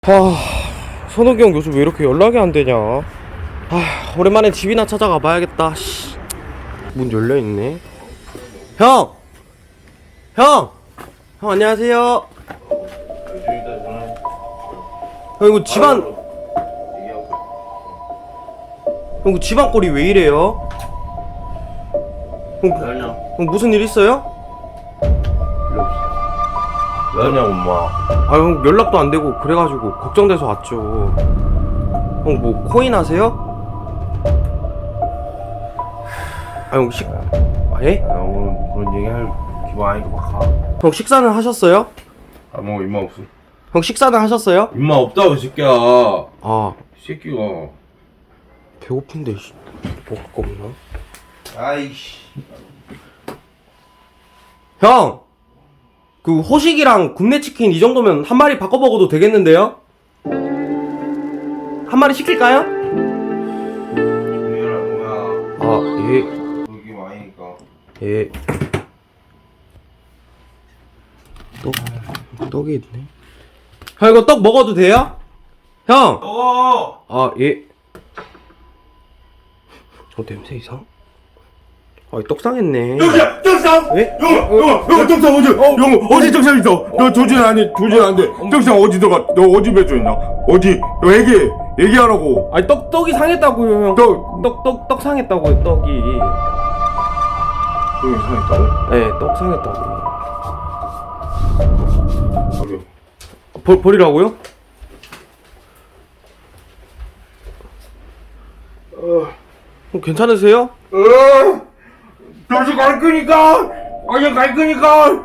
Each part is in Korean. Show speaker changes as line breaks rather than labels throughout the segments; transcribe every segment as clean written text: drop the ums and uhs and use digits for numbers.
선욱이 형 요즘 왜 이렇게 연락이 안 되냐. 오랜만에 집이나 찾아가 봐야겠다. 문 열려있네. 형! 안녕하세요. 형 이거 집안 꼴이 왜 이래요? 형 무슨 일 있어요?
왜 하냐고 엄마.
형 연락도 안 되고 그래가지고 걱정돼서 왔죠. 형 뭐 코인 하세요? 형 예?
오늘 뭐 그런 얘기할 기분 아니고 막 가.
형 식사는 하셨어요?
뭐 임마 없어.
형 식사는 하셨어요?
임마 없다고 이 새끼야. 이 새끼가.
배고픈데 먹을 거 없나?
아이씨.
형! 그 호식이랑 굽네 치킨 이 정도면 한 마리 바꿔 먹어도 되겠는데요? 한 마리 시킬까요?
조용해라 뭐야.
예.
그게 많으니까.
예. 떡이 있네. 형 이거 떡 먹어도 돼요? 형! 예. 냄새 이상? 떡 상했네.
떡상!
예?
떡상 어디 떡상 있어? 너 조준 안 돼. 떡상 어디 너 어디 배져 있나? 어디? 너 얘기하라고.
떡이 상했다고요, 형. 떡 상했다고요, 떡이.
떡이 상했다고?
네, 떡 상했다고요.
버려.
버리라고요? 괜찮으세요?
다시 갈 거니까. 그냥 갈 거니까.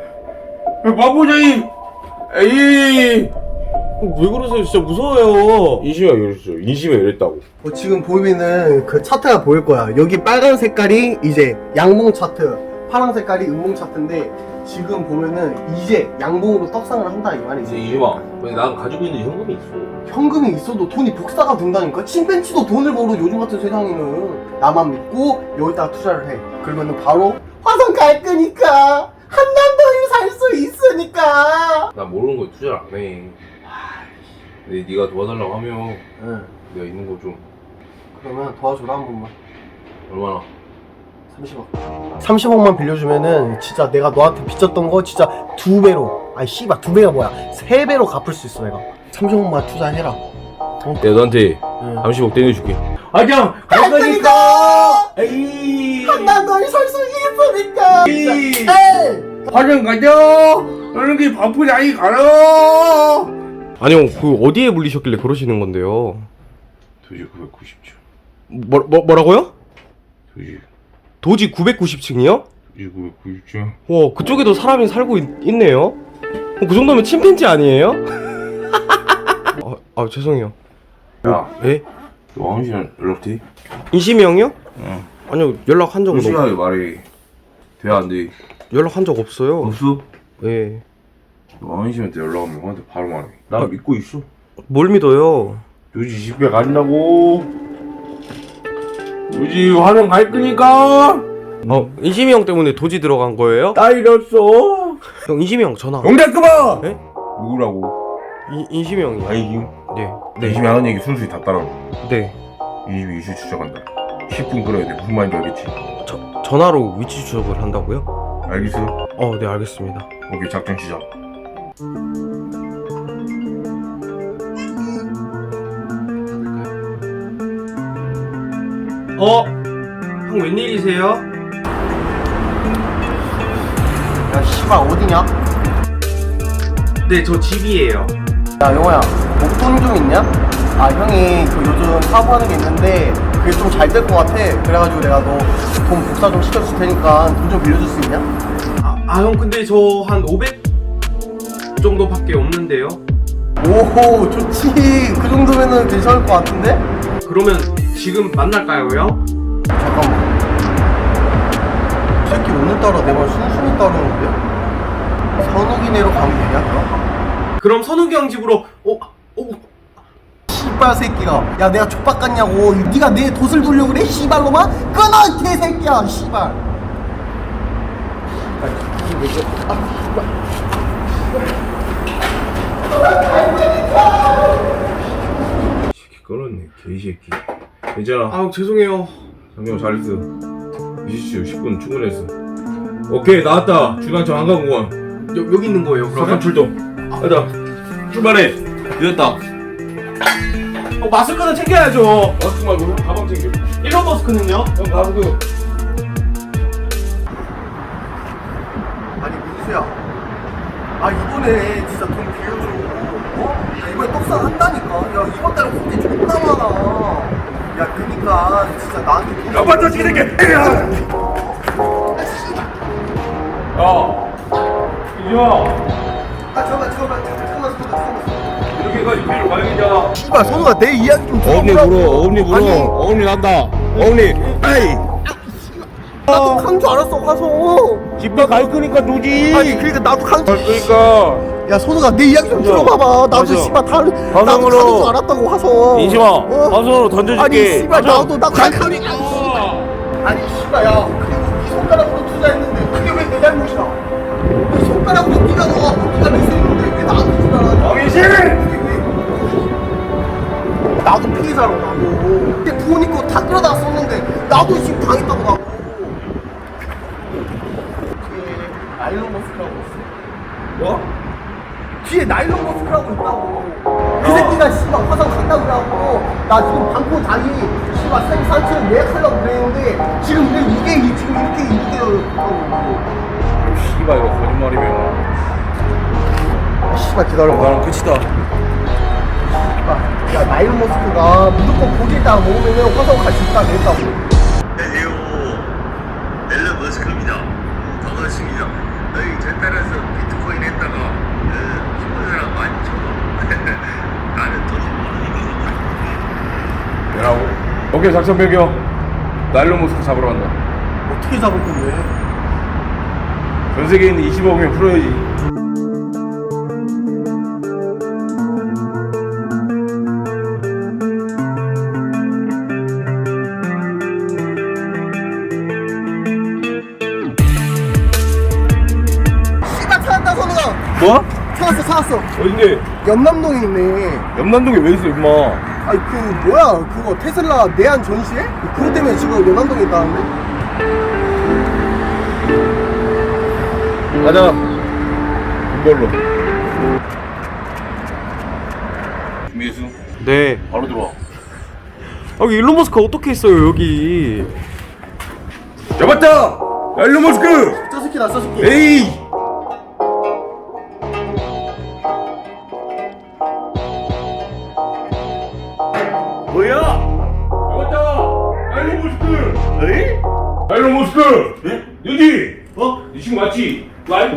바보자이. 에이.
왜 그러세요? 진짜 무서워요.
인심이가 이랬어. 인심이 이랬다고.
지금 보이면은 그 차트가 보일 거야. 여기 빨간 색깔이 이제 양봉 차트, 파란 색깔이 음봉 차트인데 지금 보면은 이제 양봉으로 떡상을 한다 이 말이지.
인심아. 근데 난 가지고 있는 현금이 있어.
현금이 있어도 돈이 복사가 된다니까. 침팬치도 돈을 벌어. 요즘 같은 세상에는 나만 믿고 여기다가 투자를 해. 그러면은 바로 화성 갈 거니까 한남더를 살 수 있으니까.
난 모르는 거에 투자를 안 해. 근데 네가 도와달라고 하면
응.
내가 있는 거 좀.
그러면 도와줘라 한 번만.
얼마나?
30억. 30억만 빌려주면은 진짜 내가 너한테 빚졌던 거 진짜 2배로, 아니 씨발 2배가 뭐야, 3배로 갚을 수 있어. 내가 30억만 투자해라.
내가 너한테
응.
30억 떼내줄게.
그냥 갈 거니까. 에이.
한남더를 살 수 있으니까.
에이.
에이.
화장 가자. 너는 게 바쁘자이 가라.
아니 형, 어디에 물리셨길래 그러시는 건데요?
도저히 990주.
뭐라고요?
도저히
도지 990층이요?
990주.
와, 그쪽에도 사람이 살고 있네요? 그 정도면 침팬지 아니에요? 죄송해요.
야,
예?
너 황씨랑 연락 돼?
인심이 형이요?
응.
아니요, 연락한 적은
솔직하게 말해. 돼, 안 돼?
연락한 적 없어요.
없어?
예.
너 황씨한테 연락하면 형한테 바로 말해. 나 믿고 있어.
뭘 믿어요?
요지 집에 간다고. 요지 화장 갈 거니까.
인심이 형 때문에 도지 들어간 거예요?
나 잃었어.
형, 인심이 형 전화.
용대 그만.
예?
누구라고?
인심이 형이요.
아니,
네.
내심이 하는 얘기 순수히 다 따라.
네.
이 집이 이슈 추적한다. 10분 끌어야 돼. 무슨 말인지 알겠지?
전화로 위치 추적을 한다고요?
알겠어?
네, 알겠습니다.
오케이, 작전 시작.
형 웬일이세요?
야 씨발 어디냐?
네, 저 집이에요.
야 영호야, 목돈 좀 있냐? 형이 그 요즘 사업하는 게 있는데 그게 좀 잘 될 것 같아. 그래가지고 내가 너 돈 복사 좀 시켜줄 테니까 돈 좀 빌려줄 수 있냐?
형, 근데 저 한 500 정도밖에 없는데요?
오호 좋지. 그 정도면은 괜찮을 것 같은데?
그러면 지금 만날까요, 형?
잠깐만, 이 새끼 오늘따라 내 말 순순히 따르는데? 선욱이네로 가면 되냐 그럼?
그럼 선욱이 형 집으로
씨발 새끼가, 야 내가 족박 같냐고. 네가 내 돛을 돌려고 그래 씨발로마? 끊어 개새끼야 씨발. 아, 씨발.
새끼 끊었네 개새끼. 괜찮아.
아 죄송해요.
상경 잘했어. 20초 10분 충분했어. 오케이 나왔다. 중앙청 한강공원.
여기 있는 거예요
사건
그러면?
출동. 가자. 출발해. 늦었다.
마스크는 챙겨야죠.
마스크 말고 형 가방 챙겨.
일론 머스크는요?
형 마스크.
아니 민수야, 아 이번에 진짜 돈 빌려줘. 어? 야, 이번에 떡상 한다니까. 야 이번 달에 혼자 존나 많아. 야 그니까 진짜 나한테 돈.
야 맞다 이 새끼.
야. 이지마.
아 잠깐만.
이렇게까지 비로 가야겠냐?
씨발 선우가 내 이야기 좀
어금니
들어보라고.
물어. 어금니 물어.
아니,
어금니 난다. 어금니. 에이.
나도 간 줄 알았어 화성.
집에 갈 거니까 누지.
아니 그러니까 나도 간 줄.
그러니까.
야 선우가 내 이야기 좀
맞아.
들어봐봐. 나도
맞아.
씨발 나도
화성으로.
가는 줄 알았다고 화성.
인심아.
어?
화성으로 던져줄게.
아니 씨발
가자.
나도 갈 거니까. 아니 씨발 야 그리고 이 손가락으로 투자했는데 그게 왜 내 잘못이야? 이 손가락으로 네가 넣어갖고 네가 냈었는데 왜 나한테 투자를
왕이신!
나도 피해자로 나도. 근데 부모님 거 다 끌어다 썼는데 나도 지금 당했다고 나고. 뒤에 나일론 머스크라고 있어.
뭐?
뒤에 나일론 머스크라고 있다고. 그 새끼가 씨발 화성 간다고 그래갖고 나 지금 방콕 다리 씨발 산책 예약하려고 그랬는데 지금 이게 지금 이렇게 있다고.
씨발 이거 거짓말이면
씨발 기다려봐.
나랑 끝이다.
야 나일론 머스크가 무조건 고지에다가 먹으면 화성 갈 수 있다 그랬다고.
안녕하세요. 앨런 머스크입니다. 반갑습니다. 저 따라서 비트코인 했다가 죽은 사람 많죠. 나는 돈이 많으니까.
뭐라고? 오케이 작전 변경. 나일론 모스크 잡으러 간다.
어떻게 잡을 건데?
전 세계에 있는 20억 명 풀어야지.
씨발 찾았다 선우가.
뭐?
찾았어.
어딘데?
연남동에 있네.
염남동에 왜 있어 임마?
아니 그 뭐야 그거 테슬라 내한 전시회? 그것 때문에 지금 연남동에 있다는데?
가자. 이걸로. 준비했어?
네.
바로 들어와.
아 여기 일론 머스크 어떻게 있어요 여기?
잡았다. 일론 머스크.
저 새끼다 저 새끼.
에이.
뭐야?
잡았다. 일론 머스크.
에이?
일론 머스크.
예?
여기.
네 친구 맞지? 라이브.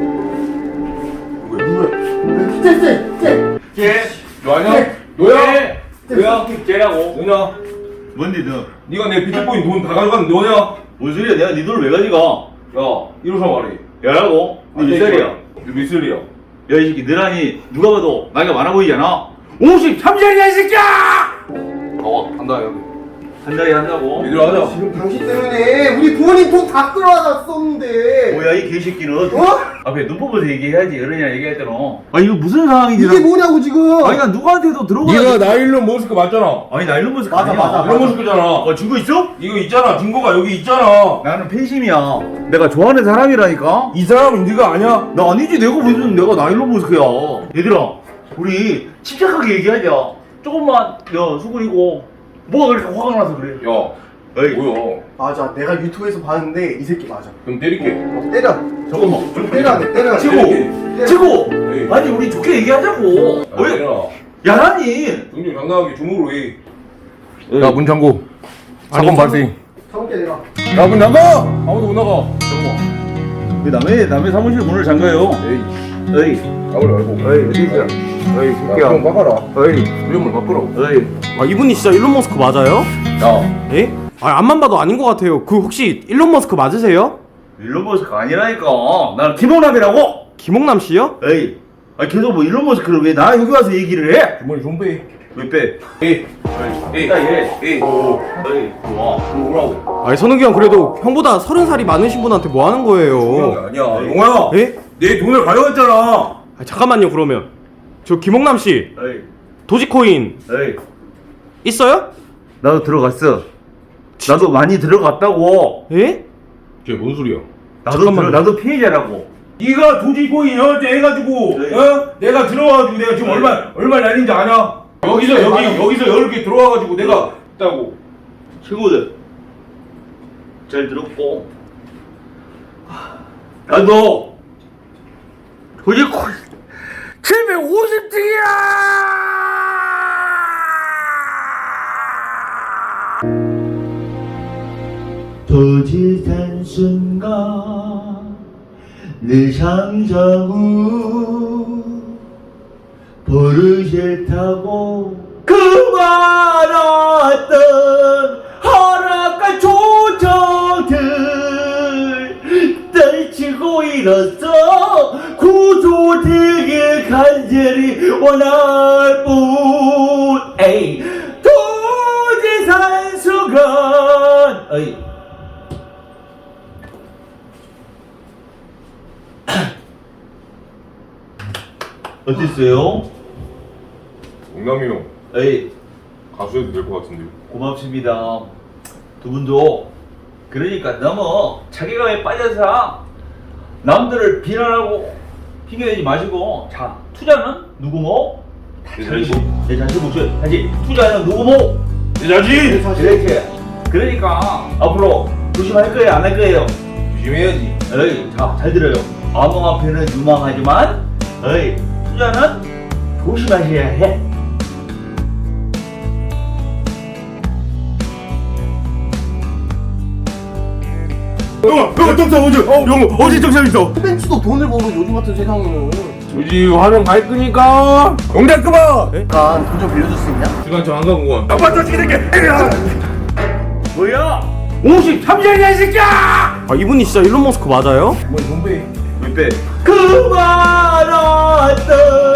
쟤.
걔. 너 아니야?
네.
너야? 너야? 걔라고. 너냐?
뭔데 너?
네가 내 비트코인 돈 다 가져간 너냐?
뭔 소리야? 내가 네 돈을 왜 가져가?
야, 이러서 말해.
야라고? 너 몇 살이야?
너몇 살이야?
야 이 새끼 너라니 누가 봐도 나이가 많아 보이잖아. 53살이야 이 새끼야!
한다 여기.
한 달에 한다고?
얘들아 하자.
지금 당신 때문에 우리 부모님 돈 다 끌어다 썼는데.
뭐야 이 개새끼는?
어?
앞에 눈 뽑아서 얘기해야지 어른이랑 얘기할 때는. 아 이거 무슨 상황인지
이게 뭐냐고 지금.
아니 난 누구한테도 들어가.
네가 나일론 머스크 맞잖아.
아니 나 일론 머스크
맞아,
아니야.
맞아.
일론 머스크잖아.
증거 있어?
이거 있잖아. 증거가 여기 있잖아.
나는 팬심이야. 내가 좋아하는 사람이라니까.
이 사람은 네가 아니야.
나 아니지. 내가 무슨 내가 나일론 머스크야. 얘들아 우리 침착하게 얘기하자. 조금만 야 수근이고 뭐가 그렇게 화가 나서 그래.
야,
에이
뭐야?
맞아 내가 유튜브에서 봤는데 이 새끼 맞아.
그럼 때릴게.
때려.
잠깐만.
좀 때려야 돼 때려야 돼.
치고 치고
에이.
아니 우리 좋게 얘기하자고.
야,
왜
때려라.
야라니?
정신 당당하게 주먹으로 해. 야, 문 잠고. 사건
아니,
발생.
참게 내가.
야, 문 잠가! 아무도 못 나가.
왜 남의 사무실 문을 잠가요?
에이,
에이
나오지 말고.
에이 어디 있어? 에이
야, 좀 막아라.
에이
위험을 바꾸라고.
에이
아 이분이 진짜 일론 머스크 맞아요?
야,
예? 아 앞만 봐도 아닌 것 같아요. 그 혹시 일론 머스크 맞으세요?
일론 머스크 아니라니까. 나는 김홍남이라고.
김홍남 씨요?
에이 아 계속 뭐 일론 머스크를 왜 나 여기 와서 얘기를 해?
주머니 좀 빼.
왜 빼?
에이, 에이,
야 얘.
에이,
에이 좋아.
뭐라고?
아니 선욱이 형 그래도 형보다 30살이 많으신 분한테 뭐 하는
중요한
거예요?
게 아니야. 용화야.
예?
내 돈을 가져갔잖아.
아, 잠깐만요 그러면 저 김홍남 씨
에이,
도지코인
에이.
있어요?
나도 들어갔어. 나도 많이 들어갔다고.
예?
쟤 뭔 소리야?
나도 피해자라고.
네가 도지코인 해가지고
네.
내가 들어와가지고 내가 지금 얼마 날린지 아냐? 여기서 10개 들어와가지고 내가 있다고.
친구들 잘 들었고, 나도 도지코인 750등이야! 도지산 순간 늘 상정후 버릇을 타고 그 많았던 허락과 조정들 떨치고 일어서 구조되길 간절히 원할 뿐. 에이, 도지산 순간. 에이. 어땠어요?
용남이 형
에이,
가수 해도 될 것 같은데요.
고맙습니다. 두 분도 그러니까 너무 자기감에 빠져서 남들을 비난하고 핑계대지 마시고, 자, 투자는 누구 뭐?
내 자신.
내 자신 묻죠. 다시 투자는 누구 뭐?
내 자신.
이렇게. 그러니까 앞으로 조심할 거예요, 안 할 거예요?
조심해야지.
에이, 자, 잘 들어요. 암호 앞에는 유망하지만, 에이, 투자는 조심하셔야 해.
형 정상 어디 정상 있어?
벤츠도 돈을 벌어 요즘 같은 세상에는.
도지 화면 갈 거니까 영장 끊어.
약간 돈 좀 빌려줄 수 있냐?
시간 저 한강 공원.
아빠 저 새끼.
뭐야?
53년이야 이 새끼야.
아 이분이 진짜 일론 머스크 맞아요?
몇 배?
그 많았던